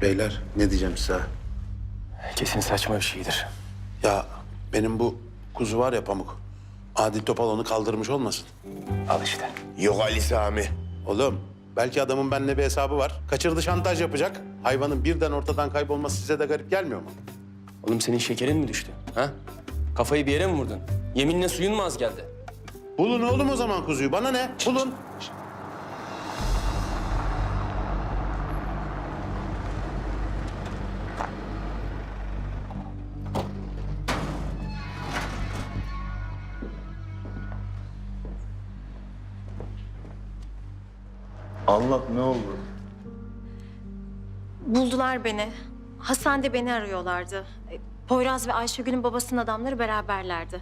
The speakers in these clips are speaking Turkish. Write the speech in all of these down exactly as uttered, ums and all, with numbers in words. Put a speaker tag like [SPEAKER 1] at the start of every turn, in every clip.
[SPEAKER 1] Beyler ne diyeceğim size?
[SPEAKER 2] Kesin saçma bir şeydir.
[SPEAKER 1] Ya benim bu kuzu var ya Pamuk. Adil Topal onu kaldırmış olmasın?
[SPEAKER 2] Al işte.
[SPEAKER 3] Yok Ali Sami.
[SPEAKER 1] Oğlum belki adamın benimle bir hesabı var. Kaçırdı, şantaj yapacak. Hayvanın birden ortadan kaybolması size de garip gelmiyor mu?
[SPEAKER 2] Oğlum senin şekerin mi düştü? Ha? Kafayı bir yere mi vurdun? Yeminle suyun mu az geldi?
[SPEAKER 1] Bulun oğlum o zaman kuzuyu. Bana ne? Bulun.
[SPEAKER 4] Anlat, ne oldu?
[SPEAKER 5] Buldular beni. Hastanede beni arıyorlardı. E, Poyraz ve Ayşegül'ün babasının adamları beraberlerdi.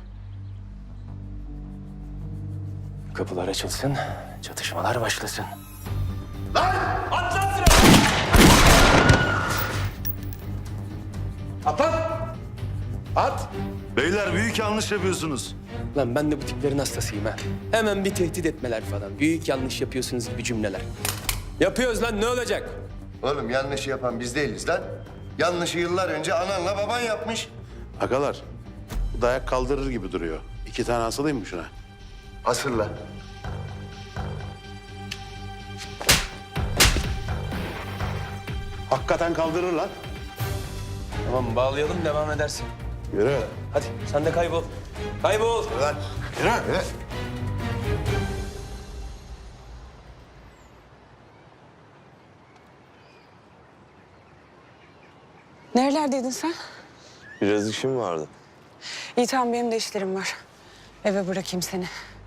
[SPEAKER 2] Kapılar açılsın, çatışmalar başlasın.
[SPEAKER 1] At.
[SPEAKER 4] Beyler büyük yanlış yapıyorsunuz.
[SPEAKER 2] Lan ben de bu tiplerin hastasıyım ha. Hemen bir tehdit etmeler falan. Büyük yanlış yapıyorsunuz gibi cümleler. Yapıyoruz lan, ne olacak?
[SPEAKER 3] Oğlum yanlışı yapan biz değiliz lan. Yanlışı yıllar önce ananla baban yapmış.
[SPEAKER 1] Agalar, bu dayak kaldırır gibi duruyor. İki tane asılayım mı şuna?
[SPEAKER 3] Asırla.
[SPEAKER 1] Hakikaten kaldırır lan.
[SPEAKER 2] Tamam, bağlayalım, devam edersin.
[SPEAKER 1] Yürü.
[SPEAKER 2] Hadi sen de kaybol. Kaybol.
[SPEAKER 3] Lan.
[SPEAKER 1] Yürü.
[SPEAKER 3] Yürü.
[SPEAKER 6] Nerelerdeydin sen?
[SPEAKER 7] Biraz işim vardı.
[SPEAKER 6] İyi tamam, benim de işlerim var. Eve bırakayım seni.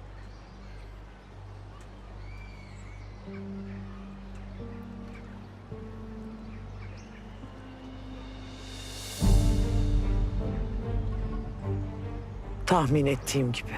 [SPEAKER 8] Tahmin ettiğim gibi.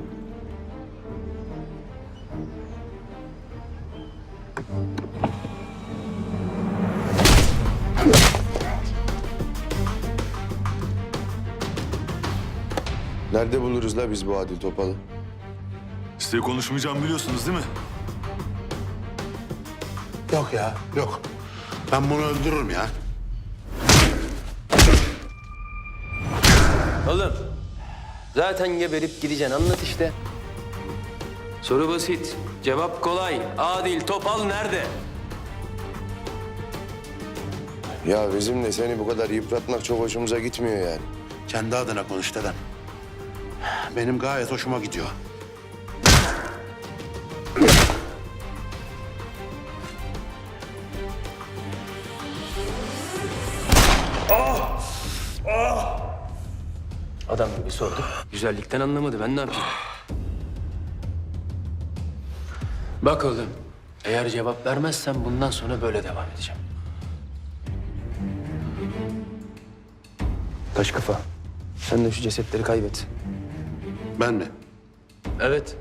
[SPEAKER 3] Nerede buluruz la biz bu Adil Topal'ı?
[SPEAKER 4] Size konuşmayacağım biliyorsunuz değil mi?
[SPEAKER 1] Yok ya, yok. Ben bunu öldürürüm ya.
[SPEAKER 2] Oğlum, zaten geberip gideceksin. Anlat işte. Soru basit, cevap kolay. Adil Topal nerede?
[SPEAKER 3] Ya bizim de seni bu kadar yıpratmak çok hoşumuza gitmiyor yani.
[SPEAKER 1] Kendi adına konuş dedem. Benim gayet hoşuma gidiyor.
[SPEAKER 2] Adam gibi sordu. Güzellikten anlamadı. Ben ne yapayım? Bak oğlum, eğer cevap vermezsen bundan sonra böyle devam edeceğim. Taş kafa. Sen de şu cesetleri kaybet.
[SPEAKER 1] Ben mi?
[SPEAKER 2] Evet.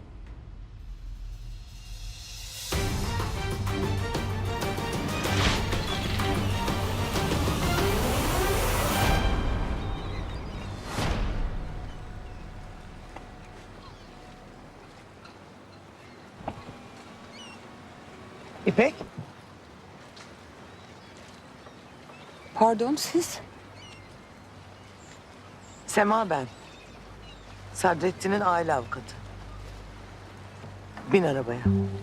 [SPEAKER 8] İpek,
[SPEAKER 6] Pardon, siz?
[SPEAKER 8] Sema ben. Sadrettin'in aile avukatı. Bin arabaya.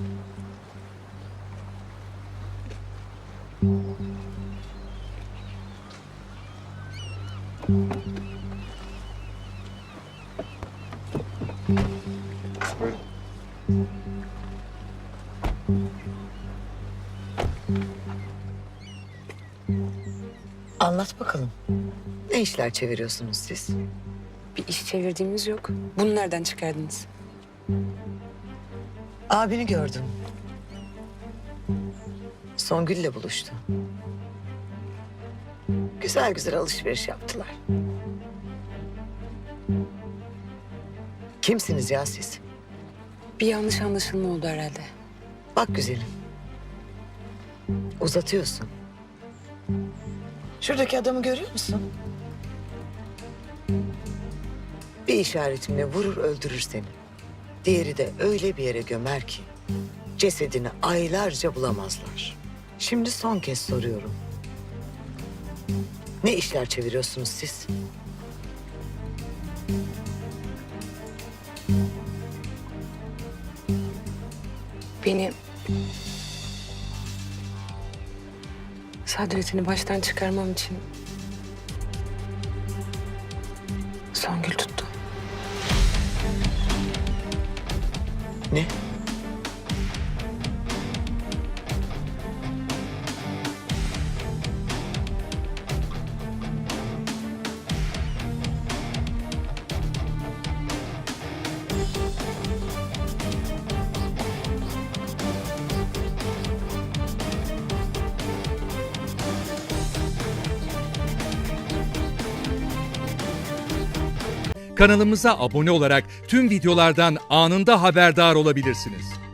[SPEAKER 8] Anlat bakalım. Ne işler çeviriyorsunuz siz?
[SPEAKER 6] Bir iş çevirdiğimiz yok. Bunu nereden çıkardınız?
[SPEAKER 8] Abini gördüm. Songül'le buluştu. Güzel güzel alışveriş yaptılar. Kimsiniz ya siz?
[SPEAKER 6] Bir yanlış anlaşılma oldu herhalde.
[SPEAKER 8] Bak güzelim. Uzatıyorsun. Şuradaki adamı görüyor musun? Bir işaretimle vurur öldürür seni. Diğeri de öyle bir yere gömer ki cesedini aylarca bulamazlar. Şimdi son kez soruyorum. Ne işler çeviriyorsunuz siz?
[SPEAKER 6] Beni... Sadrettin'i baştan çıkarmam için... Songül tuttu.
[SPEAKER 8] Ne?
[SPEAKER 9] Kanalımıza abone olarak tüm videolardan anında haberdar olabilirsiniz.